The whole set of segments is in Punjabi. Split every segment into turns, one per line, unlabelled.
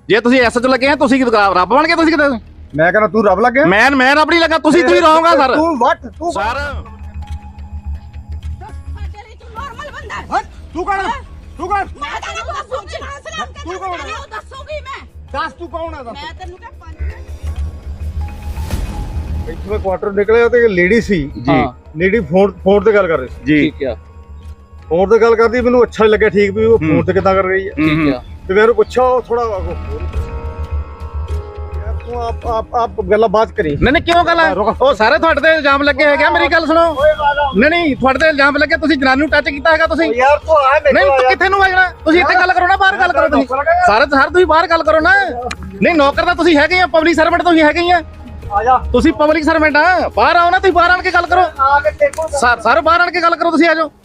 ਜੇ ਤੁਸੀਂ ਐਸਐਚ ਲੱਗੇ ਆ ਤੁਸੀਂ ਰੱਬ ਬਣ ਕੇ ਤੁਸੀਂ ਕਿਤੇ
ਮੈਂ ਕਹਿੰਦਾ ਤੂੰ ਰੱਬ ਲੱਗਿਆ
ਮੈਂ ਰੱਬ ਨਹੀਂ ਲੱਗਾ ਤੁਸੀਂ ਰਹੋਗਾ ਸਰ
ਤੂੰ ਵੱਟ ਤੂੰ
ਸਰ
ਸਾਡੇ ਲਈ ਤੂੰ ਨਾਰਮਲ ਬੰਦਾ ਹੈ।
ਤੂੰ ਕੌਣ ਤੂੰ ਕੌਣ
ਮੈਂ ਤੈਨੂੰ ਦੱਸੂਗੀ
ਤੂੰ ਕੌਣ ਹੈ?
ਦੱਸੂਗੀ ਮੈਂ
ਦੱਸ ਤੂੰ ਕੌਣ ਹੈ ਦੱਸ
ਮੈਂ ਤੈਨੂੰ ਕਿਹਾ ਪੰਜ
ਇੱਥੋਂ ਕੁਆਟਰ ਨਿਕਲਿਆ ਤੇ ਲੇਡੀ ਸੀ
ਜੀ
ਲੇਡੀ ਫੋਨ ਤੇ ਗੱਲ ਕਰ ਰਹੀ ਸੀ
ਜੀ
ਠੀਕ ਆ
ਫੋਨ ਤੇ ਗੱਲ ਕਰਦੀ ਮੈਨੂੰ ਅੱਛਾ ਨੀ ਲੱਗਿਆ ਠੀਕ ਵੀ ਉਹ ਫੋਨ ਤੇ ਕਿੱਦਾਂ ਕਰ ਰਹੀ ਹੈ
ਠੀਕ ਆ
ਤੇ ਮੈਂ ਉਹਨੂੰ ਪੁੱਛਿਆ ਉਹ ਥੋੜਾ ਯਾਰ ਤੂੰ ਆਪ ਗੱਲਾਂ ਬਾਤ ਕਰੀ
ਨਹੀਂ ਕਿਉਂ ਗੱਲ ਹੈ ਉਹ ਸਾਰੇ ਤੁਹਾਡੇ ਤੇ ਇਲਜ਼ਾਮ ਲੱਗੇ ਹੈਗੇ ਆ, ਮੇਰੀ ਗੱਲ ਸੁਣੋ ਨਹੀਂ ਤੁਹਾਡੇ ਤੇ ਇਲਜ਼ਾਮ ਲੱਗੇ ਤੁਸੀਂ ਜਨਾਨੀ ਨੂੰ ਟੱਚ ਕੀਤਾ ਹੈਗਾ ਤੁਸੀਂ
ਯਾਰ ਤੂੰ ਆ
ਨਹੀਂ ਤੂੰ ਕਿੱਥੇ ਨੂੰ ਵਜਣਾ ਤੁਸੀਂ ਇੱਥੇ ਗੱਲ ਕਰੋ ਨਾ ਬਾਹਰ ਗੱਲ ਕਰੋ ਤੁਸੀਂ ਸਾਰੇ ਤੁਸੀਂ ਬਾਹਰ ਗੱਲ ਕਰੋ ਨਾ ਨਹੀਂ ਨੌਕਰ ਤਾਂ ਤੁਸੀਂ ਹੈਗੇ ਆ ਪਬਲਿਕ ਸਰਵੈਂਟ ਤੁਸੀਂ ਹੈਗੇ ਹੀ ਆ
ਆ ਜਾ
ਤੁਸੀਂ ਪਬਲਿਕ ਸਰਵੈਂਟ ਆ ਬਾਹਰ ਆਓ ਨਾ ਤੁਸੀਂ ਬਾਹਰ ਆਣ ਕੇ ਗੱਲ ਕਰੋ
ਆ ਕੇ ਦੇਖੋ
ਸਾਰੇ ਬਾਹਰ ਆਣ ਕੇ ਗੱਲ ਕਰੋ ਤੁਸੀਂ ਆ ਜਾਓ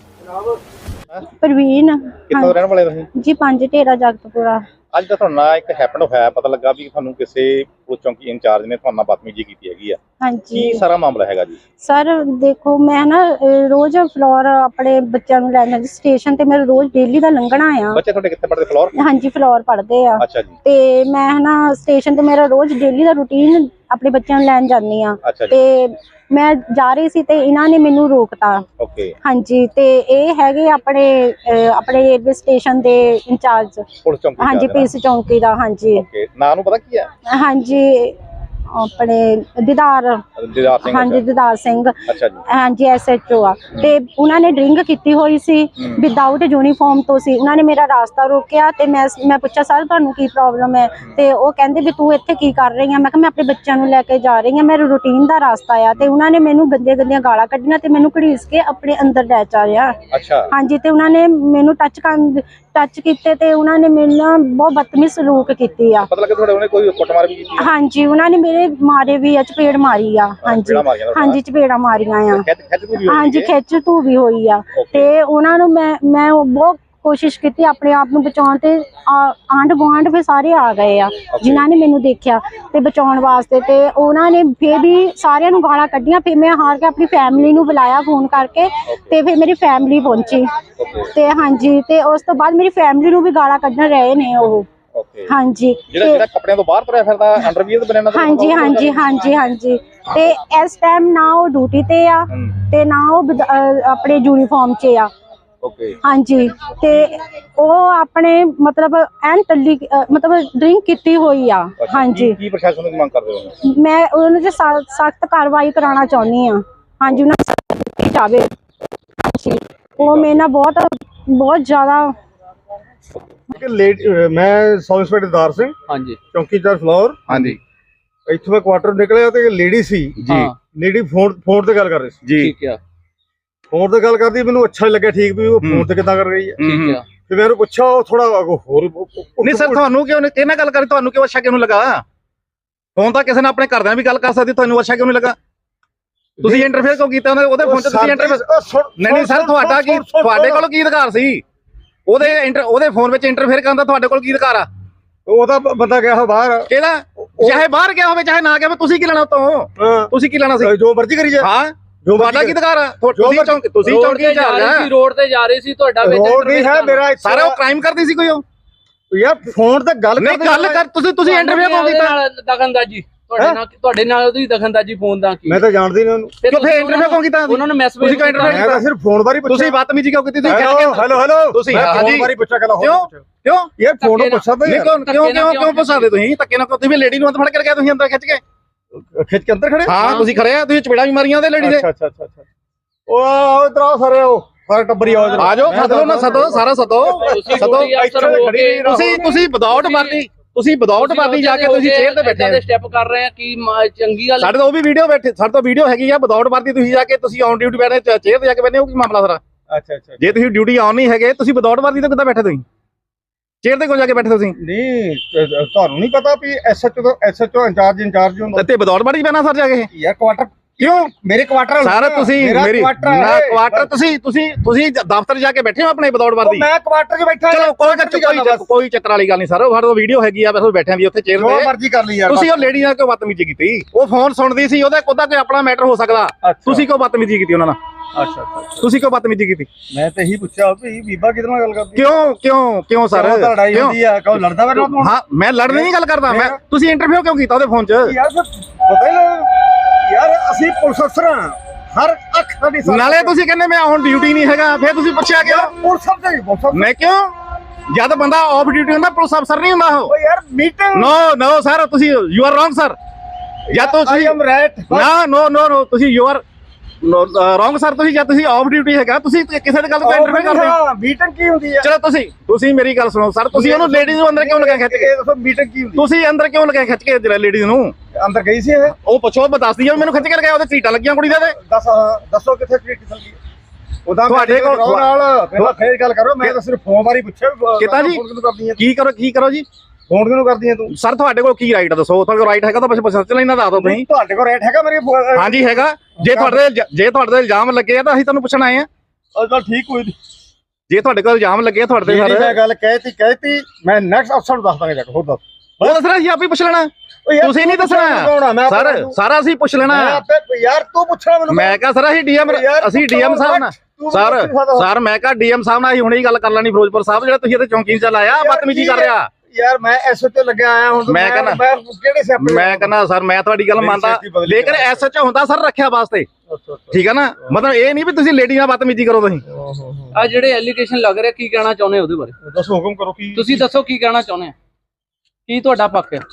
ਪ੍ਰਵੀਨ
ਕਿੱਥੋਂ ਰਹਿਣ ਵਾਲੇ ਤੁਸੀਂ
ਜੀ ਪੰਜ ਢੇਰਾ ਜਗਤਪੁਰਾ
ਅੱਜ ਤਾਂ ਤੁਹਾਨੂੰ ਨਾਲ ਇੱਕ ਹੈਪਨ ਹੋਇਆ ਪਤਾ ਲੱਗਾ ਵੀ ਤੁਹਾਨੂੰ ਕਿਸੇ ਪੁਲਿਸ ਚੌਂਕੀ ਇੰਚਾਰਜ ਨੇ ਤੁਹਾਨੂੰ ਨਾਲ ਬਦਤਮੀਜ਼ੀ ਕੀਤੀ ਹੈਗੀ ਆ
ਹਾਂਜੀ
ਕੀ ਸਾਰਾ ਮਾਮਲਾ ਹੈਗਾ ਜੀ
ਸਰ ਦੇਖੋ ਮੈਂ ਨਾ ਰੋਜ਼ ਫਲੋਰ ਆਪਣੇ ਬੱਚਿਆਂ ਨੂੰ ਲੈਣ ਜਾਂਦੀ ਸਟੇਸ਼ਨ ਤੇ ਮੇਰਾ ਰੋਜ਼ ਡੇਲੀ ਦਾ ਲੰਘਣਾ ਆ
ਬੱਚੇ ਤੁਹਾਡੇ ਕਿੱਥੇ ਪੜ੍ਹਦੇ ਫਲੋਰ
ਹਾਂਜੀ ਫਲੋਰ ਪੜ੍ਹਦੇ ਆ
ਅੱਛਾ ਜੀ
ਤੇ ਮੈਂ ਨਾ ਸਟੇਸ਼ਨ ਤੇ ਮੇਰਾ ਰੋਜ਼ ਡੇਲੀ ਦਾ ਰੂਟੀਨ ਆਪਣੇ ਬੱਚਿਆਂ ਨੂੰ ਲੈਣ ਜਾਂਦੀ ਆ
ਅੱਛਾ ਜੀ
ਤੇ ਮੈਂ ਜਾ ਰਹੀ ਸੀ ਤੇ ਇਹਨਾਂ ਨੇ ਮੈਨੂੰ ਰੋਕਤਾ
ਓਕੇ
ਹਾਂਜੀ ਤੇ ਇਹ ਹੈਗੇ ਆਪਣੇ ਰੇਲਵੇ ਸਟੇਸ਼ਨ ਦੇ ਇੰਚਾਰਜ
ਪੁਲਿਸ ਚੌਂਕੀ
ਹਾਂਜੀ ਪੀਸ ਚੌਂਕੀ ਦਾ ਹਾਂਜੀ
ਓਕੇ ਨਾਂ ਨੂੰ ਪਤਾ ਕੀ ਹੈ
ਹਾਂਜੀ ਆਪਣੇ ਦੀਦਾਰ
ਦਿਦਾਰ ਸਿੰਘ
ਹਾਂਜੀ ਦੀਦਾਰ ਸਿੰਘ
ਅੱਛਾ ਜੀ
ਹਾਂਜੀ ਐਸਐਚਓ ਆ ਤੇ ਉਹਨਾਂ ਨੇ ਡਰਿੰਕ ਕੀਤੀ ਹੋਈ ਸੀ ਵਿਦਆਊਟ ਯੂਨੀਫਾਰਮ ਤੋਂ ਸੀ ਉਹਨਾਂ ਨੇ ਮੇਰਾ ਰਾਸਤਾ ਰੋਕਿਆ ਤੇ ਮੈਂ ਪੁੱਛਿਆ ਸਰ ਤੁਹਾਨੂੰ ਕੀ ਪ੍ਰੋਬਲਮ ਹੈ ਤੇ ਉਹ ਕਹਿੰਦੇ ਵੀ ਤੂੰ ਇੱਥੇ ਕੀ ਕਰ ਰਹੀ ਆ ਮੈਂ ਕਿਹਾ ਮੈਂ ਆਪਣੇ ਬੱਚਿਆਂ ਨੂੰ ਲੈ ਕੇ ਜਾ ਰਹੀ ਆ ਮੇਰਾ ਰੂਟੀਨ ਦਾ ਰਾਸਤਾ ਆ ਤੇ ਉਹਨਾਂ ਨੇ ਮੈਨੂੰ ਗੰਦੀਆਂ ਗਾਲਾਂ ਕੱਢੀਆਂ ਤੇ ਮੈਨੂੰ ਘੜੀਸ ਕੇ ਆਪਣੇ ਅੰਦਰ ਲੈ ਚਾ ਰਿਹਾ
ਅੱਛਾ
ਹਾਂਜੀ ਤੇ ਉਹਨਾਂ ਨੇ ਮੈਨੂੰ ਟੱਚ ਕੀਤੇ ਤੇ ਉਹਨਾਂ ਨੇ ਮੇਰੇ ਨਾਲ ਬਹੁਤ ਬਦਤਮੀਜ਼ ਸਲੂਕ ਕੀਤੀ ਆ
ਪਤਾ ਲੱਗਾ ਤੁਹਾਡੇ ਉਹਨੇ ਕੋਈ ਕੁੱਟਮਾਰ ਵੀ ਕੀਤੀ
ਹਾਂਜੀ ਉਹਨਾਂ ਨੇ ਮੇਰੇ ਮਾਰੇ ਵੀ ਆ ਚਪੇੜ ਮਾਰੀ ਆ ਹਾਂਜੀ ਹਾਂਜੀ ਚਪੇੜਾਂ ਮਾਰੀਆਂ ਆ ਹਾਂਜੀ ਖਿੱਚ ਧੂ ਵੀ ਹੋਈ ਆ ਤੇ ਉਹਨਾਂ ਨੂੰ ਮੈਂ ਬਹੁਤ ਕੋਸ਼ਿਸ਼ ਕੀਤੀ ਆਪਣੇ ਆਪ ਨੂੰ ਬਚਾਉਣ ਤੇ ਆਂਢ ਗੁਆਂਢ ਵੀ ਸਾਰੇ ਆ ਗਏ ਆ ਜਿਨ੍ਹਾਂ ਨੇ ਮੈਨੂੰ ਦੇਖਿਆ ਤੇ ਬਚਾਉਣ ਵਾਸਤੇ ਤੇ ਉਹਨਾਂ ਨੇ ਫੇਰ ਵੀ ਸਾਰਿਆਂ ਨੂੰ ਗਾਲਾਂ ਕੱਢੀਆਂ ਫਿਰ ਮੈਂ ਹਾਰ ਕੇ ਆਪਣੀ ਫੈਮਿਲੀ ਨੂੰ ਬੁਲਾਇਆ ਫੋਨ ਕਰਕੇ ਤੇ ਫਿਰ ਮੇਰੀ ਫੈਮਿਲੀ ਪਹੁੰਚੀ ਤੇ ਹਾਂਜੀ ਤੇ ਉਸ ਤੋਂ ਬਾਅਦ ਮੇਰੀ ਫੈਮਿਲੀ ਨੂੰ ਵੀ ਗਾਲਾਂ ਕੱਢਣ ਰਹੇ ਨੇ ਉਹ ਹਾਂਜੀ
ਜਿਹੜਾ ਕੱਪੜਿਆਂ ਤੋਂ ਬਾਹਰ ਤੁਰਿਆ ਫਿਰਦਾ ਅੰਡਰਵੀਅਰ ਤੇ ਬਣਿਆ
ਹਾਂਜੀ ਤੇ ਇਸ ਟਾਈਮ ਨਾ ਉਹ ਡਿਊਟੀ ਤੇ ਆ ਤੇ ਨਾ ਉਹ ਆਪਣੇ ਯੂਨੀਫਾਰਮ 'ਚ ਆ ਹਾਂਜੀ ਤੇ ਉਹ ਆਪਣੇ ਮਤਲਬ ਐਨ ਟੱਲੀ ਮਤਲਬ ਡਰਿੰਕ ਕੀਤੀ ਹੋਈ ਆ ਹਾਂਜੀ
ਕੀ ਪ੍ਰਸ਼ਾਸਨ ਦੀ ਮੰਗ ਕਰਦੇ ਹੋ
ਮੈਂ ਉਹਨਾਂ ਤੇ ਸਖਤ ਕਾਰਵਾਈ ਕਰਾਉਣਾ ਚਾਹੁੰਦੀ ਆ ਹਾਂਜੀ ਉਹਨਾਂ ਨੂੰ ਚਾਵੇ ਉਹ ਮੇਰੇ ਨਾਲ ਬਹੁਤ ਜ਼ਿਆਦਾ
ਮੈਂ ਸਬ ਇੰਸਪੈਕਟਰ ਦੀਦਾਰ ਸਿੰਘ
ਹਾਂਜੀ
ਚੌਂਕੀਦਾਰ ਫਲੋਰ
ਹਾਂਜੀ
ਇੱਥੋਂ ਮੈਂ ਕੁਆਟਰ ਨਿਕਲਿਆ ਤੇ ਲੇਡੀ ਸੀ
ਜੀ
ਲੇਡੀ ਫੋਨ ਤੇ ਗੱਲ ਕਰ ਰਹੀ ਸੀ
ਜੀ
ਠੀਕ ਆ
ਫੋਨ ਤੇ ਗੱਲ ਕਰਦੀ ਮੈਨੂੰ ਅੱਛਾ ਨੀ ਲੱਗਿਆ ਠੀਕ ਵੀ ਉਹ ਫੋਨ ਤੇ ਕਿੱਦਾਂ ਕਰ ਰਹੀ ਹੈ
ਠੀਕ ਆ
ਤੇ ਮੈਂ ਉਹਨੂੰ ਪੁੱਛਿਆ ਉਹ ਥੋੜਾ ਹੋਰ
ਨਹੀਂ ਸਰ ਤੁਹਾਨੂੰ ਕਿਉਂ ਕਿਹਨਾਂ ਗੱਲ ਕਰੀ ਤੁਹਾਨੂੰ ਕਿਉਂ ਅੱਛਾ ਕਿਉਂ ਨਹੀਂ ਲੱਗਾ ਫੋਨ ਤਾਂ ਕਿਸੇ ਨੇ ਆਪਣੇ ਘਰਦਿਆਂ ਵੀ ਗੱਲ ਕਰ ਸਕਦੀ ਤੁਹਾਨੂੰ ਅੱਛਾ ਕਿਉਂ ਨਹੀਂ ਲੱਗਾ ਤੁਸੀਂ ਇੰਟਰਫੇਅਰ ਕਿਉਂ ਕੀਤਾ ਉਹਦੇ ਫੋਨ 'ਚ ਤੁਸੀਂ ਇੰਟਰਫੇਅਰ ਨਹੀਂ ਸਰ ਤੁਹਾਡਾ ਕੀ ਤੁਹਾਡੇ ਕੋਲ ਕੀ ਅਧਿਕਾਰ ਸੀ ਉਹਦੇ ਫੋਨ ਵਿੱਚ ਇੰਟਰਫੇਅਰ ਕਰਨ ਦਾ ਤੁਹਾਡੇ ਕੋਲ ਕੀ ਅਧਿਕਾਰ ਆ
ਉਹਦਾ ਬੰਦਾ ਗਿਆ ਬਾਹਰ
ਕਿਹੜਾ ਚਾਹੇ ਬਾਹਰ ਗਿਆ ਹੋਵੇ ਚਾਹੇ ਨਾ ਗਿਆ ਤੁਸੀਂ ਕੀ ਲੈਣਾ ਉਤੋਂ ਤੁਸੀਂ ਕੀ ਲੈਣਾ ਸੀ
ਜੋ ਮਰਜ਼ੀ ਕਰੀ ਜਾ
ਹਾਂ ਤੁਹਾਡਾ ਕੀ ਅਧਿਕਾਰ ਆ ਤੁਸੀਂ ਚੌਂਕੀ ਜਾ ਰਹੇ ਸੀ
ਰੋਡ ਤੇ ਜਾ ਰਹੇ ਸੀ ਤੁਹਾਡਾ
ਰੋਡ ਨਹੀਂ ਹੈ ਮੇਰਾ
ਸਾਰੇ ਉਹ ਕ੍ਰਾਈਮ ਕਰਦੀ ਸੀ ਕੋਈ ਉਹ
ਯਾਰ ਫੋਨ ਤੇ ਗੱਲ
ਕਰ ਤੁਸੀਂ ਇੰਟਰਵਿਊ ਕਿਉਂ ਕੀਤਾ
ਦਖਲਅੰਦਾਜ਼ੀ ਤੁਹਾਡੇ ਨਾਲ ਉਹਦੀ ਦਖਲਅੰਦਾਜ਼ੀ ਫੋਨ ਦਾ ਕੀ
ਮੈਂ ਤਾਂ ਜਾਣਦੀ ਨਹੀਂ ਉਹਨੂੰ
ਕਿਉਂ ਫੇਰ ਇੰਟਰਵਿਊ ਕਿਉਂ ਕੀਤਾ
ਉਹਨਾਂ ਨੂੰ ਮੈਸੇਜ
ਤੁਸੀਂ ਕਿਉਂ ਇੰਟਰਵਿਊ
ਮੈਂ ਤਾਂ ਸਿਰਫ ਫੋਨ ਬਾਰੇ ਪੁੱਛਿਆ
ਤੁਸੀਂ ਬਦਤਮੀਜ਼ੀ ਕਿਉਂ ਕੀਤੀ ਤੁਸੀਂ
ਹੈਲੋ
ਤੁਸੀਂ
ਫੋਨ ਬਾਰੇ ਪੁੱਛਿਆ ਗੱਲ
ਕਿਉਂ
ਇਹ ਫੋਨ ਨੂੰ ਪੁੱਛਦਾ
ਨਹੀਂ ਕਿਉਂ ਪੁੱਛਾਦੇ ਤੁਸੀਂ ਧੱਕੇ ਨਾਲ ਤੁਸੀਂ ਵੀ ਲੇਡੀ ਨੂੰ ਅੰਦਰ ਫੜ ਕੇ ਗਿਆ ਤੁਸੀਂ ਅੰਦਰ ਖਿੱਚ ਕੇ
ਅੰਦਰ ਖੜੇ
ਹਾਂ ਤੁਸੀਂ ਖੜੇ ਆ ਤੁਸੀਂ ਚਪੇੜਾ ਵੀ ਮਾਰੀਆਂ ਉਹਦੇ ਲੇਡੀ ਦੇ
ਅੱਛਾ ਉਹ ਇਧਰ ਆਓ ਸਾਰੇ ਟੱਬਰੀ ਆਓ ਇਧਰ
ਆ ਜਾਓ ਸਦੋ ਨਾ ਸਦੋ ਸਾਰਾ ਸਦੋ ਤੁਸੀਂ ਵਿਦਆਊਟ ਵਰਦੀ ਜਾ ਕੇ ਤੁਸੀਂ ਚੇਅਰ ਤੇ ਬੈਠੇ
ਆ ਸਟੈਪ ਕਰ ਰਹੇ ਆ ਕੀ ਚੰਗੀ ਗੱਲ
ਸਾਡੇ ਤੋਂ ਉਹ ਵੀ ਵੀਡੀਓ ਬੈਠੇ ਸਾਡੇ ਤੋਂ ਵੀਡੀਓ ਹੈਗੀ ਆ ਵਿਦਆਊਟ ਵਰਦੀ ਤੁਸੀਂ ਜਾ ਕੇ ਤੁਸੀਂ ਔਨ ਡਿਊਟੀ ਬੈਠੇ ਚੇਅਰ ਤੇ ਜਾ ਕੇ ਬੈਠੇ ਹੋ ਕੀ ਮਾਮਲਾ ਸਾਰਾ
ਅੱਛਾ
ਜੇ ਤੁਸੀਂ ਡਿਊਟੀ ਆਨ ਨਹੀਂ ਹੈਗੇ ਤੁਸੀਂ ਵਿਦਆਊਟ ਵਰਦੀ ਤੇ ਕਿੱਦਾਂ ਬੈਠੇ ਤੁਸੀਂ ਚੇਅਰ ਤੇ ਕਿਉਂ ਜਾ ਕੇ ਬੈਠੇ ਤੁਸੀਂ
ਨਹੀਂ ਤੁਹਾਨੂੰ ਨਹੀਂ ਪਤਾ ਵੀ ਐਸਐਚਓ ਇੰਚਾਰਜ ਹੁੰਦਾ
ਤੇ ਵਿਦਆਊਟ ਵਰਦੀ ਪੈਣਾ ਸਰ ਜਾ ਕੇ
ਯਾਰ ਕੁਆਟਰ ਕਿਉਂ ਮੇਰੇ ਕੁਆਟਰ
ਸਰ ਤੁਸੀਂ ਮੇਰੀ ਨਾ ਕੁਆਟਰ ਤੁਸੀਂ ਦਫ਼ਤਰ ਜਾ ਕੇ ਬੈਠੇ ਹੋ ਆਪਣੇ ਵਿਦਆਊਟ ਵਰਦੀ।
ਮੈਂ ਕੁਆਟਰ 'ਚ ਬੈਠਾ
ਚਲੋ ਕੋਈ ਚੱਕਰ ਵਾਲੀ ਗੱਲ ਨਹੀਂ ਸਰ, ਸਾਡੇ ਕੋਲ ਵੀਡੀਓ ਹੈਗੀ ਆ, ਬਸ ਬੈਠਿਆਂ ਦੀ ਉੱਥੇ ਚੇਅਰ
ਜੋ
ਤੇ।
ਮਰਜ਼ੀ ਕਰ ਲਈ ਯਾਰ।
ਤੁਸੀਂ ਉਹ ਲੇਡੀ ਨਾਲ ਕਿਉਂ ਬਦਤਮੀਜ਼ੀ ਕੀਤੀ? ਉਹ ਫੋਨ ਸੁਣਦੀ ਸੀ, ਉਹਦਾ ਕੋਈ ਆਪਣਾ ਮੈਟਰ ਹੋ ਸਕਦਾ। ਤੁਸੀਂ ਕਿਉਂ ਬਦਤਮੀਜ਼ੀ ਕੀਤੀ ਉਹਨਾਂ ਨਾਲ?
ਅੱਛਾ
ਤੁਸੀਂ ਕਿਉਂ ਬਦਤਮੀਜ਼ੀ ਕੀਤੀ?
ਮੈਂ ਤੇ ਇਹੀ ਪੁੱਛਿਆ ਵੀ ਬੀਬਾ ਕਿਹਦੇ ਨਾਲ ਗੱਲ ਕਰਦੀ?
ਕਿਉਂ ਸਰ?
ਲੜਾਈ ਹੁੰਦੀ ਆ, ਕਹੋ ਲੜਦਾ ਮੇਰੇ ਨਾਲ?
ਹਾਂ ਮੈਂ ਲੜਨ ਦੀ ਗੱਲ ਕਰਦਾ ਮੈਂ। ਤੁਸੀਂ ਇੰਟਰਵਿਊ ਕਿਉਂ ਕੀਤਾ ਉਹਦੇ ਫੋਨ 'ਚ?
ਯਾਰ ਪਤਾ ਹੀ ਯਾਰ ਅਸੀਂ ਪੁਲਿਸ ਅਫਸਰ ਹਾਂ, ਹਰ ਅੱਖ ਸਾਡੀ
ਨਾਲੇ ਤੁਸੀਂ ਕਹਿੰਦੇ ਮੈਂ ਹੁਣ ਡਿਊਟੀ ਨਹੀਂ ਹੈਗਾ, ਫਿਰ ਤੁਸੀਂ ਪੁੱਛਿਆ ਕਿਉਂ?
ਪੁਲਿਸ ਅਫਸਰ
ਮੈਂ ਕਿਉਂ? ਜਦ ਬੰਦਾ ਆਫ ਡਿਊਟੀ ਹੁੰਦਾ ਪੁਲਿਸ ਅਫਸਰ ਨਹੀਂ ਹੁੰਦਾ ਉਹ।
ਓ ਯਾਰ ਮੀਟਿੰਗ
ਨੋ ਸਰ, ਤੁਸੀਂ ਯੂ ਆਰ ਰੋਂਗ ਸਰ। ਜਾਂ ਤੁਸੀਂ ਨੋ ਤੁਸੀਂ ਯੂ ਆਰ ਰੋਂਗ ਸਰ। ਤੁਸੀਂ ਜਾਂ ਤੁਸੀਂ ਆਫ ਡਿਊਟੀ ਹੈਗਾ, ਤੁਸੀਂ ਕਿਸੇ ਦੀ ਗੱਲ ਤੋਂ ਇੰਟਰਵਿਊ ਕਰਦੇ ਹੋ।
ਮੀਟਿੰਗ ਕੀ ਹੁੰਦੀ ਹੈ?
ਚਲੋ ਤੁਸੀਂ ਮੇਰੀ ਗੱਲ ਸੁਣੋ ਸਰ, ਤੁਸੀਂ ਉਹਨੂੰ ਲੇਡੀਜ਼ ਨੂੰ ਅੰਦਰ ਕਿਉਂ ਲਗਾ ਖਿੱਚ ਕੇ?
ਇਹ ਦੱਸੋ ਮੀਟਿੰਗ ਕੀ ਹੁੰਦੀ?
ਤੁਸੀਂ ਅੰਦਰ ਕਿਉਂ ਲਗਾ ਖਿੱਚ ਕੇ ਲੇਡੀਜ਼ ਨੂੰ?
ਅੰਦਰ ਗਈ ਸੀ ਇਹ?
ਉਹ ਪੁੱਛੋ, ਮੈਂ ਦੱਸਦੀ ਆ ਮੈਨੂੰ ਖਿੱਚ ਕੇ ਲਗਾਇਆ, ਉਹਦੇ ਚੀਟਾਂ ਲੱਗੀਆਂ ਕੁੜੀ ਦੇ।
ਦੱਸੋ ਕਿੱਥੇ ਟ੍ਰੀਟ ਚੱਲਦੀ ਹੈ? ਉਹਦਾ
ਤੁਹਾਡੇ ਕੋਲ
ਨਾਲ ਪਹਿਲਾਂ ਫੇਰ ਗੱਲ ਕਰੋ। ਮੈਂ ਤਾਂ ਸਿਰਫ ਫੋਨ ਬਾਰੇ ਪੁੱਛਿਆ
ਕਿਤਾ ਜੀ ਕੀ ਕਰੋ ਜੀ?
ਫੋਨ ਕਿਉਂ ਕਰਦੀ ਹੈ ਤੂੰ?
ਸਰ ਤੁਹਾਡੇ ਕੋਲ ਕੀ ਰਾਈਟ ਦੱਸੋ? ਤੁਹਾਡੇ ਕੋਲ ਰਾਈਟ ਹੈਗਾ ਤਾਂ ਬਸ ਸੱਚ ਲੈਣਾ ਦੱਸ ਦਿਓ ਤੁਸੀਂ।
ਤੁਹਾਡੇ ਕੋਲ ਰਾਈਟ ਹੈਗਾ ਮੇਰੇ?
ਹਾਂਜੀ ਹੈਗਾ। ਜੇ ਤੁਹਾਡੇ ਤੇ ਇਲਜ਼ਾਮ ਲੱਗੇ ਆ ਤਾਂ ਅਸੀਂ ਤੁਹਾਨੂੰ ਪੁੱਛਣ ਆਏ ਆ।
ਚਲ ਠੀਕ ਕੋਈ ਨਹੀਂ।
ਜੇ ਤੁਹਾਡੇ ਕੋਲ ਇਲਜ਼ਾਮ ਲੱਗੇ ਆ ਤੁਹਾਡੇ ਤੇ
ਸਰ ਮੈਂ ਗੱਲ ਕਹਿਤੀ ਮੈਂ ਨੈਕਸਟ ਅਫਸਰ ਨੂੰ ਦੱਸ ਦਾਂਗਾ। ਜਾ ਕੇ ਹੋਰ ਦੱਸ।
ਉਹ ਦੱਸਣਾ ਸੀ, ਆਪੇ ਪੁੱਛ ਲੈਣਾ। ਤੁਸੀਂ ਨਹੀਂ ਦੱਸਣਾ ਸਰ। ਸਾਰਾ ਅਸੀਂ ਪੁੱਛ ਲੈਣਾ
ਯਾਰ। ਤੂੰ ਪੁੱਛਣਾ ਮੈਨੂੰ? ਮੈਂ
ਕਿਹਾ ਸਰ ਅਸੀਂ ਡੀਐਮ ਸਾਹਿਬ ਨਾਲ ਸਰ ਮੈਂ ਕਿਹਾ ਡੀਐਮ ਸਾਹਿਬ ਨਾਲ ਅਸੀਂ ਹੁਣੇ ਹੀ ਗੱਲ ਕਰ ਲੈਣੀ। ਫਿਰੋਜ਼ਪੁਰ ਸਾਹਿਬ ਜਿਹੜਾ ਤੁਸੀਂ ਇੱਥੇ ਚੌਂਕੀ 'ਚ ਲਾਇਆ ਬਦਤਮੀਜ਼ੀ ਕਰ ਰਿਹਾ
ਯਾਰ। ਮੈਂ ਐਸਐਚਓ ਲੱਗਿਆ ਆਇਆ ਹੁਣ।
ਮੈਂ ਕਹਿੰਦਾ ਸਰ ਮੈਂ ਤੁਹਾਡੀ ਗੱਲ ਮੰਨਦਾ, ਲੇਕਿਨ ਐਸਐਚਓ ਹੁੰਦਾ ਸਰ ਰੱਖਿਆ ਵਾਸਤੇ, ਠੀਕ ਹੈ ਨਾ? ਮਤਲਬ ਇਹ ਨਹੀਂ ਵੀ ਤੁਸੀਂ ਲੇਡੀ ਨਾਲ ਬਦਤਮੀਜ਼ੀ ਕਰੋ। ਤੁਸੀਂ
ਆ ਜਿਹੜੇ ਐਲੀਗੇਸ਼ਨ ਲੱਗ ਰਿਹਾ, ਕੀ ਕਹਿਣਾ ਚਾਹੁੰਦੇ ਉਹਦੇ ਬਾਰੇ?
ਦੱਸੋ, ਹੁਕਮ ਕਰੋ। ਕੀ
ਤੁਸੀਂ ਦੱਸੋ ਕੀ ਕਹਿਣਾ ਚਾਹੁੰਦੇ ਆ? ਕੀ ਤੁਹਾਡਾ ਪੱਖ ਹੈ?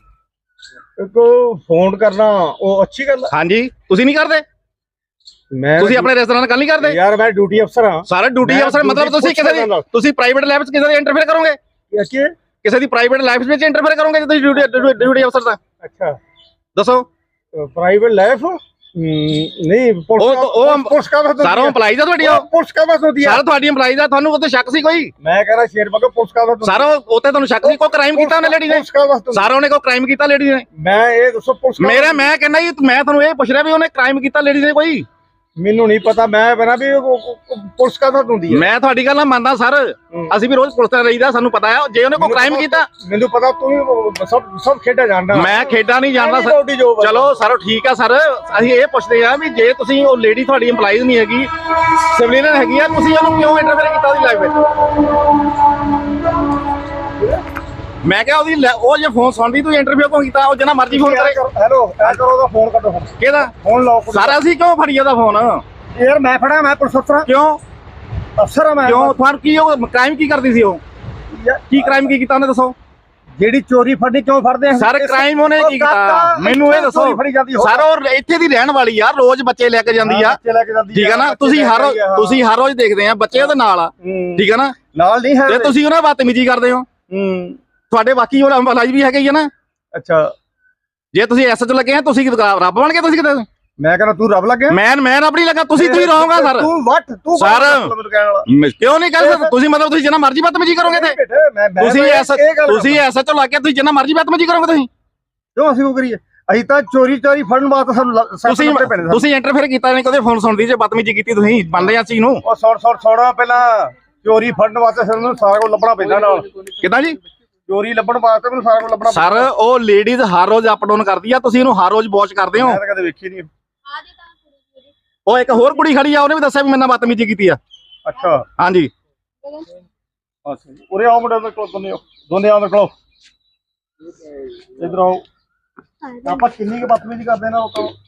ਕੋ ਫੋਨ ਕਰਨਾ ਉਹ ਅੱਛੀ ਗੱਲ ਹੈ।
ਹਾਂਜੀ ਤੁਸੀਂ ਨਹੀਂ ਕਰਦੇ? ਤੁਸੀਂ ਆਪਣੇ ਰੈਸਟੋਰੈਂਟ ਨਾਲ ਗੱਲ ਨਹੀਂ ਕਰਦੇ?
ਯਾਰ ਮੈਂ ਡਿਊਟੀ ਅਫਸਰ ਹਾਂ।
ਸਾਰਾ ਡਿਊਟੀ ਅਫਸਰ ਮਤਲਬ ਤੁਸੀਂ ਪ੍ਰਾਈਵੇਟ ਲਾਈਫ 'ਚ ਕਿਸੇ ਦੇ ਇੰਟਰਫੇਅਰ ਕਰੋਗੇ? ਕਿਸੇ ਦੀ ਪ੍ਰਾਈਵੇਟ ਲਾਈਫ ਵਿੱਚ ਇੰਟਰਫੇਅਰ ਕਰੋਗੇ ਜੇ ਤੁਸੀਂ ਡਿਊਟੀ ਅਫਸਰ ਦਾ?
ਅੱਛਾ
ਦੱਸੋ।
ਪ੍ਰਾਈਵੇਟ ਲਾਈਫ ਨਹੀਂ ਪੁਲਿਸ ਕਾ ਬਸ
ਸਾਰਾ EMPLOYEES ਦਾ ਤੁਹਾਡੀ?
ਪੁਲਿਸ ਕਾ ਬਸ ਹੁੰਦੀ ਹੈ
ਸਾਰਾ ਤੁਹਾਡੀ EMPLOYEES ਦਾ। ਤੁਹਾਨੂੰ ਉੱਤੇ ਸ਼ੱਕ ਸੀ ਕੋਈ?
ਮੈਂ ਕਹ ਰਿਹਾ ਸ਼ੇਰ ਬਗਾ ਪੁਲਿਸ ਕਾ ਬਸ
ਸਾਰਾ ਉੱਤੇ ਤੁਹਾਨੂੰ ਸ਼ੱਕ ਸੀ? ਕੋਈ ਕ੍ਰਾਈਮ ਕੀਤਾ ਉਹਨੇ ਲੇਡੀ ਨੇ? ਸਾਰਾ ਉਹਨੇ ਕੋਈ ਕ੍ਰਾਈਮ ਕੀਤਾ ਲੇਡੀ ਨੇ?
ਮੈਂ ਇਹ ਦੱਸੋ ਪੁਲਿਸ
ਮੈਂ ਕਹਿੰਦਾ ਜੀ, ਮੈਂ ਤੁਹਾਨੂੰ ਇਹ ਪੁੱਛ ਰਿਹਾ ਵੀ ਉਹਨੇ ਕ੍ਰਾਈਮ ਕੀਤਾ ਲੇਡੀ ਨੇ ਕੋਈ?
ਮੈਨੂੰ ਨਹੀਂ ਪਤਾ। ਮੈਂ ਬਣਾ ਵੀ ਪੁਲਿਸ ਕਾ ਬਸ ਹੁੰਦੀ ਹੈ।
ਮੈਂ ਤੁਹਾਡੀ ਗੱਲ ਨਾਲ ਮੰਨਦਾ ਸਰ, ਅਸੀਂ ਵੀ ਰੋਜ਼ ਪੁਲਿਸ ਤੇ ਰਹੀਦਾ, ਸਾਨੂੰ ਪਤਾ ਹੈ ਜੇ ਉਹਨੇ ਕੋਈ ਕ੍ਰਾਈਮ ਕੀਤਾ।
ਮੈਨੂੰ ਪਤਾ ਤੂੰ ਸਭ ਖੇਡਾਂ ਜਾਣਦਾ।
ਮੈਂ ਖੇਡਾਂ ਨਹੀਂ ਜਾਣਦਾ ਸਰ। ਚਲੋ ਸਰ ਠੀਕ ਆ ਸਰ, ਅਸੀਂ ਇਹ ਪੁੱਛਦੇ ਆ ਵੀ ਜੇ ਤੁਸੀਂ ਉਹ ਲੇਡੀ ਤੁਹਾਡੀ EMPLOYEES ਨਹੀਂ ਹੈਗੀ, ਸਿਵਲੀਅਨ ਹੈਗੀ ਆ, ਤੁਸੀਂ ਉਹਨੂੰ ਕਿਉਂ ਇੰਟਰਫੇਅਰ ਕੀਤਾ ਉਹਦੀ ਲਾਈਫ ਵਿੱਚ? ਮੈਂ ਕਿਹਾ ਉਹ ਜੇ ਫੋਨ ਸੁਣਦੀ ਤੂੰ ਇੰਟਰਵਿਊ ਕਿਉਂ ਕੀਤਾ? ਉਹ ਜਿੰਨਾ ਮਰਜ਼ੀ ਫੋਨ ਕਰੇ।
ਹੈਲੋ ਕਰੋ ਉਹਦਾ ਫੋਨ ਕੱਟੋ।
ਕਿਹਦਾ
ਫੋਨ ਲਾਓ?
ਸਾਰਾ ਅਸੀਂ ਕਿਉਂ ਫੜੀ ਉਹਦਾ ਫੋਨ?
ਯਾਰ ਮੈਂ ਫੜਾ, ਮੈਂ ਪੁਲਿਸ ਅਫਸਰ।
ਕਿਉਂ
ਅਫਸਰ ਆ ਮੈਂ।
ਕਿਉਂ ਤੁਹਾਨੂੰ ਕੀ ਉਹ ਕ੍ਰਾਈਮ ਕੀ ਕਰਦੀ ਸੀ? ਉਹ ਕੀ ਕ੍ਰਾਈਮ ਕੀ ਕੀਤਾ ਉਹਨੇ ਦੱਸੋ?
ਜਿਹੜੀ ਚੋਰੀ ਫੜਨੀ ਕਿਉਂ ਫੜਦੇ ਆ
ਸਰ? ਕ੍ਰਾਈਮ ਉਹਨੇ ਕੀ ਕੀਤਾ ਮੈਨੂੰ ਇਹ ਦੱਸੋ ਸਰ? ਉਹ ਇੱਥੇ ਦੀ ਰਹਿਣ ਵਾਲੀ ਆ, ਰੋਜ਼ ਬੱਚੇ ਲੈ ਕੇ ਜਾਂਦੀ ਆ, ਠੀਕ ਹੈ ਨਾ? ਤੁਸੀਂ ਹਰ ਰੋਜ਼ ਦੇਖਦੇ ਆ ਬੱਚੇ ਉਹਦੇ ਨਾਲ ਆ, ਠੀਕ ਹੈ ਨਾ?
ਨਾਲ ਨਹੀਂ ਹੈ
ਤੇ ਤੁਸੀਂ ਉਹਨਾਂ ਬਦਤਮੀਜ਼ੀ ਕਰਦੇ ਹੋ। ਤੁਹਾਡੇ ਬਾਕੀ ਉਹ EMPLOYEES ਵੀ ਹੈਗੇ ਹੀ ਆ ਨਾ?
ਅੱਛਾ
ਜੇ ਤੁਸੀਂ ਐਸਐਚ ਲੱਗੇ ਆ, ਤੁਸੀਂ ਰੱਬ ਬਣ ਕੇ ਤੁਸੀਂ ਕਿਤੇ?
ਮੈਂ ਕਹਿੰਦਾ ਤੂੰ ਰੱਬ ਲੱਗਿਆ।
ਮੈਂ ਰੱਬ ਨਹੀਂ ਲੱਗਾ। ਤੁਸੀਂ ਰਹੋਗਾ ਸਰ।
ਤੂੰ
ਸਰ ਕਿਉਂ ਨਹੀਂ ਕਰ ਸਕਦੇ? ਤੁਸੀਂ ਮਤਲਬ ਤੁਸੀਂ ਜਿੰਨਾ ਮਰਜ਼ੀ ਬਦਤਮੀਜ਼ੀ ਕਰੋਗੇ ਤੇ ਤੁਸੀਂ ਐਸਐਚ ਲਾ ਕੇ ਤੁਸੀਂ ਜਿੰਨਾ ਮਰਜ਼ੀ ਬਦਤਮੀਜ਼ੀ ਕਰੋਗੇ ਤੁਸੀਂ?
ਕਿਉਂ ਅਸੀਂ ਉਹ ਕਰੀਏ? ਅਸੀਂ ਤਾਂ ਚੋਰੀ ਫੜਨ ਵਾਸਤੇ ਸਾਨੂੰ
ਤੁਸੀਂ ਇੰਟਰਫੇਅਰ ਕੀਤਾ ਨਹੀਂ ਕਦੇ? ਫੋਨ ਸੁਣਦੀ ਜੇ ਬਦਤਮੀਜ਼ੀ ਕੀਤੀ ਤੁਸੀਂ ਮੰਨਦੇ ਆ ਚੀਜ਼ ਨੂੰ?
ਉਹ ਸੌੜਾ ਪਹਿਲਾਂ ਚੋਰੀ ਫੜਨ ਵਾਸਤੇ ਸਾਨੂੰ ਸਾਰਾ ਕੁਝ ਲੱਭਣਾ ਪੈਂਦਾ ਨਾਲ।
ਕਿੱਦਾਂ ਜੀ?
ਚੋਰੀ ਲੱਭਣ ਵਾਸਤੇ ਮੈਨੂੰ ਸਾਰਾ ਕੁਝ ਲੱਭਣਾ
ਸਰ ਉਹ ਲੇਡੀਜ਼ ਹਰ ਰੋਜ਼ ਅਪ ਡਾਊਨ ਕਰਦੀ ਆ, ਤੁਸੀਂ ਇਹਨੂੰ ਹਰ ਰੋਜ਼ ਵਾਚ ਕਰਦੇ ਹੋ?
ਮੈਂ ਤਾਂ ਕਦੇ ਵੇਖੀ ਨਹੀਂ।
ਉਹ ਇੱਕ ਹੋਰ ਕੁੜੀ ਖੜੀ ਆ, ਉਹਨੇ ਵੀ ਦੱਸਿਆ ਵੀ ਮੇਰੇ ਨਾਲ ਬਦਤਮੀਜ਼ੀ ਕੀਤੀ ਆ।
ਅੱਛਾ
ਹਾਂਜੀ
ਉਰੇ ਆਓ ਮੁੰਡੇ ਦੇ ਕੋਲ, ਦੋਨੇ ਆਓ ਦੇਖੋ ਇਧਰ ਆਓ। ਆਪਾਂ ਕਿੰਨੀ ਕੁ ਬਦਤਮੀਜ਼ੀ ਕਰਦੇ ਨਾ ਲੋਕਾਂ ਨੂੰ।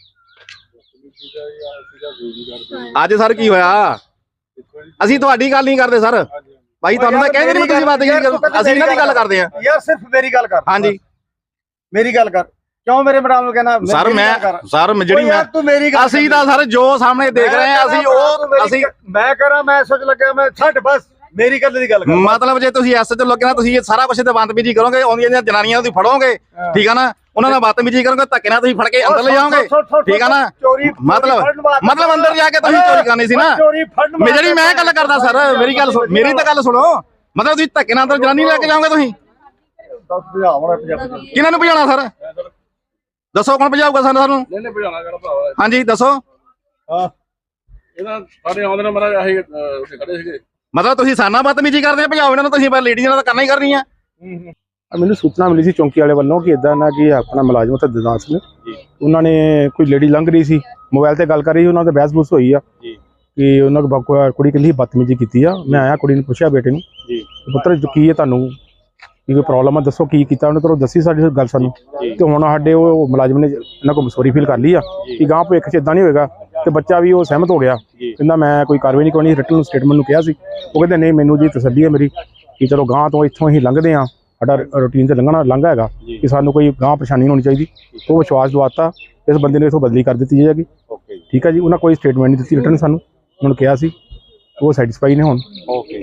ਅੱਜ ਸਰ ਕੀ ਹੋਇਆ? ਅਸੀਂ ਤੁਹਾਡੀ ਗੱਲ ਨਹੀਂ ਕਰਦੇ ਸਰ ਭਾਈ, ਤੁਹਾਨੂੰ ਤਾਂ ਕਹਿੰਦੇ ਨਹੀਂ ਤੁਸੀਂ ਬਦਤਮੀਜ਼ੀ ਕਰੋ, ਅਸੀਂ ਇਹਨਾਂ ਦੀ ਗੱਲ ਕਰਦੇ ਆ।
ਯਾਰ ਸਿਰਫ ਮੇਰੀ ਗੱਲ ਕਰ।
ਹਾਂਜੀ
ਮੇਰੀ ਗੱਲ ਕਰ। ਕਿਉਂ ਮੇਰੇ ਮੈਡਮ ਨੂੰ ਕਹਿਣਾ?
ਸਰ
ਤੂੰ ਮੇਰੀ ਗੱਲ
ਅਸੀਂ ਤਾਂ ਸਰ ਜੋ ਸਾਹਮਣੇ ਦੇਖ ਰਹੇ ਆ ਅਸੀਂ
ਮੈਂ ਕਰਾਂ ਮੈਂ ਸੋਚ ਲੱਗਾ ਮੈਂ ਛੱਡ ਬਸ ਮੇਰੀ ਗੱਲ ਦੀ ਗੱਲ ਕਰ।
ਮਤਲਬ ਜੇ ਤੁਸੀਂ ਐਸ ਚ ਲੱਗੇ ਨਾ, ਤੁਸੀਂ ਇਹ ਸਾਰਾ ਕੁਝ ਤੇ ਬਦਤਮੀਜ਼ੀ ਕਰੋਗੇ, ਆਉਂਦੀਆਂ ਜਨਾਨੀਆਂ ਤੁਸੀਂ ਫੜੋਗੇ, ਠੀਕ ਆ ਨਾ? ਉਹਨਾਂ ਨਾਲ ਬਦਤਮੀਜ਼ੀ ਕਰੋਗੇ, ਧੱਕੇ ਨਾਲ ਤੁਸੀਂ ਫੜ ਕੇ ਅੰਦਰ ਲੈ ਜਾਓਗੇ, ਠੀਕ ਆ ਨਾ? ਮਤਲਬ ਅੰਦਰ ਜਾ ਕੇ ਤੁਸੀਂ ਚੋਰੀ ਕਰਨੀ ਸੀ ਨਾ? ਜਿਹੜੀ ਮੈਂ ਗੱਲ ਕਰਦਾ ਸਰ, ਮੇਰੀ ਤਾਂ ਗੱਲ ਸੁਣੋ। ਮਤਲਬ ਤੁਸੀਂ ਧੱਕੇ ਨਾਲ ਅੰਦਰ ਜਨਾਨੀ ਲੈ ਕੇ ਜਾਓਗੇ ਤੁਸੀਂ? ਕਿਹਨਾਂ ਨੂੰ ਭਜਾਉਣਾ ਸਰ? ਦੱਸੋ ਕੌਣ ਭਜਾਊਗਾ ਸਾਨੂੰ
ਨਹੀਂ ਭਜਾਣਾ ਕਰ ਭਰਾਵਾ
ਹਾਂਜੀ ਦੱਸੋ
ਇਹਨਾਂ ਸਾਡੇ ਆਉਂਦੇ ਨੇ ਮਰਾ ਅਸੀਂ ਉੱਥੇ ਖੜੇ ਸੀਗੇ
ਮਤਲਬ ਤੁਸੀਂ ਸਾਨਾ ਬਦਤਮੀਜੀ ਕਰਦੇ ਆ ਭਜਾਓ ਇਹਨਾਂ ਨੂੰ ਤੁਸੀਂ ਪਰ ਲੇਡੀਜ਼ ਨਾਲ ਤਾਂ ਕਰਨਾ ਹੀ ਕਰਨੀ ਆ
ਮੈਨੂੰ ਸੂਚਨਾ ਮਿਲੀ ਸੀ ਚੌਂਕੀ ਵਾਲੇ ਵੱਲੋਂ ਕਿ ਇਦਾਂ ਨਾ ਕਿ ਆਪਣਾ ਮੁਲਾਜ਼ਮ ਤੇ ਦਿਦਾਸ ਨੇ ਉਹਨਾਂ ਨੇ ਕੋਈ ਲੇਡੀ ਲੰਘ ਰਹੀ ਸੀ ਮੋਬਾਈਲ ਤੇ ਗੱਲ ਕਰ ਰਹੀ ਉਹਨਾਂ ਦੇ ਬਹਿਸ-ਬੂਸ ਹੋਈ ਆ ਕਿ ਉਹਨਾਂ ਕੋਲ ਕੁੜੀ ਕਹਿੰਦੀ ਬਦਤਮੀਜੀ ਕੀਤੀ ਆ ਮੈਂ ਆਇਆ ਕੁੜੀ ਨੂੰ ਪੁੱਛਿਆ ਬੇਟੇ ਨੂੰ ਪੁੱਤਰ ਕੀ ਹੈ ਤੁਹਾਨੂੰ ਕੀ ਕੋਈ ਪ੍ਰੋਬਲਮ ਆ ਦੱਸੋ ਕੀ ਕੀਤਾ ਉਹਨੇ ਤੁਹਾਨੂੰ ਦੱਸੀ ਸਾਡੀ ਗੱਲ ਸਾਨੂੰ ਤੇ ਹੁਣ ਸਾਡੇ ਉਹ ਮੁਲਾਜ਼ਮ ਨੇ ਇਹਨਾਂ ਕੋਲ ਮਸੂਰੀ ਫੀਲ ਕਰ ਲਈ ਆ ਕਿ ਗਾਂ ਭਵਿੱਖ 'ਚ ਇਦਾਂ ਨਹੀਂ ਹੋਏਗਾ ਤੇ ਬੱਚਾ ਵੀ ਉਹ ਸਹਿਮਤ ਹੋ ਗਿਆ ਕਹਿੰਦਾ ਮੈਂ ਕੋਈ ਕਾਰਵਾਈ ਨਹੀਂ ਕਰਨੀ ਰਿਟਨ ਸਟੇਟਮੈਂਟ ਨੂੰ ਕਿਹਾ ਸੀ ਉਹ ਕਹਿੰਦੇ ਨਹੀਂ ਮੈਨੂੰ ਜੀ ਤਸੱਲੀ ਹੈ ਮੇਰੀ ਕਿ ਚਲੋ ਗਾਂ ਤੋਂ ਇੱਥੋਂ ਹੀ ਲੰਘਦੇ ਆ ਸਾਡਾ ਰੂਟੀਨ ਤੇ ਲੰਘਾ ਹੈਗਾ ਕਿ ਸਾਨੂੰ ਕੋਈ ਗਾਂ ਪਰੇਸ਼ਾਨੀ ਹੋਣੀ ਚਾਹੀਦੀ ਉਹ ਵਿਸ਼ਵਾਸ ਦਵਾਤਾ ਇਸ ਬੰਦੇ ਨੇ ਇੱਥੋਂ ਬਦਲੀ ਕਰ ਦਿੱਤੀ ਜਾਏਗੀ ਠੀਕ ਹੈ ਜੀ ਉਹਨਾਂ ਕੋਈ ਸਟੇਟਮੈਂਟ ਨਹੀਂ ਦਿੱਤੀ ਰਿਟਨ ਸਾਨੂੰ ਉਹਨਾਂ ਨੂੰ ਕਿਹਾ ਸੀ ਉਹ ਸੈਟੀਸਫਾਈ ਨੇ ਹੁਣ